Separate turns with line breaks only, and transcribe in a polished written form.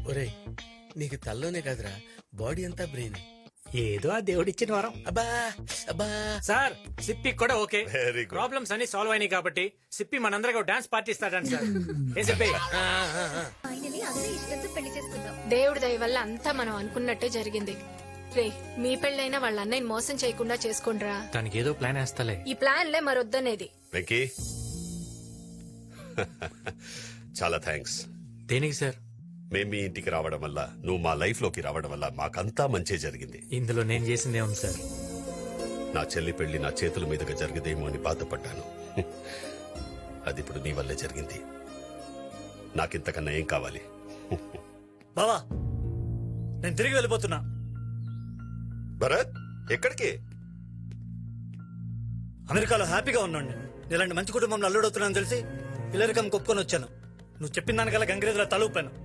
ఒరేయ్ నీకు తల్లోనే కాదురా బాడీ అంతా బ్రెయిన్.
ఏదో ఆ దేవుడిచ్చిన వరం.
అబ్బా అబ్బా.
సార్ సిప్పి కూడా ఓకే.
Very good.
ప్రాబ్లమ్స్ అన్ని సాల్వ్ అయినాయి కాబట్టి సిప్పి మనందరికీ డాన్స్ పార్టీ ఇస్తాడంట సార్. ఏ సిప్పి?
ఫైనలీ అందరూ ఇష్టంతో పెళ్లి చేసుకుందాం.
దేవుడి దయ వల్ల అంతా మనం అనుకున్నట్టే జరిగింది. రే మీ పెళ్ళైనా వాళ్ళ అన్నయ్యని మోసం చేయకుండా చేసుకోండిరా.
దానికి ఏదో ప్లాన్ వేస్తాలే.
ఈ ప్లాన్లే మరొద్దనేది.
వెంకీ చాలా థ్యాంక్స్.
దేనికి సార్?
మేము మీ ఇంటికి రావడం వల్ల, నువ్వు మా లైఫ్ లోకి రావడం వల్ల మాకంతా మంచి జరిగింది.
ఇందులో నేను చేసిందే ఉంది సార్.
నా చెల్లి పెళ్లి నా చేతుల మీదుగా జరిగదేమో అని బాధపడ్డాను. అది ఇప్పుడు నీ వల్లే జరిగింది. నాకింతకన్నా ఏం కావాలి?
బావా నేను తిరిగి వెళ్ళిపోతున్నా.
భరత్ ఎక్కడికి?
అమెరికాలో హ్యాపీగా ఉన్నాను. ఇలాంటి మంచి కుటుంబంలో అల్లుడవుతున్నాను తెలిసి ఇల్లరికం కొప్పుకొని వచ్చాను. నువ్వు చెప్పిన దానికల్లా గంగిరేజులో తలూపాను.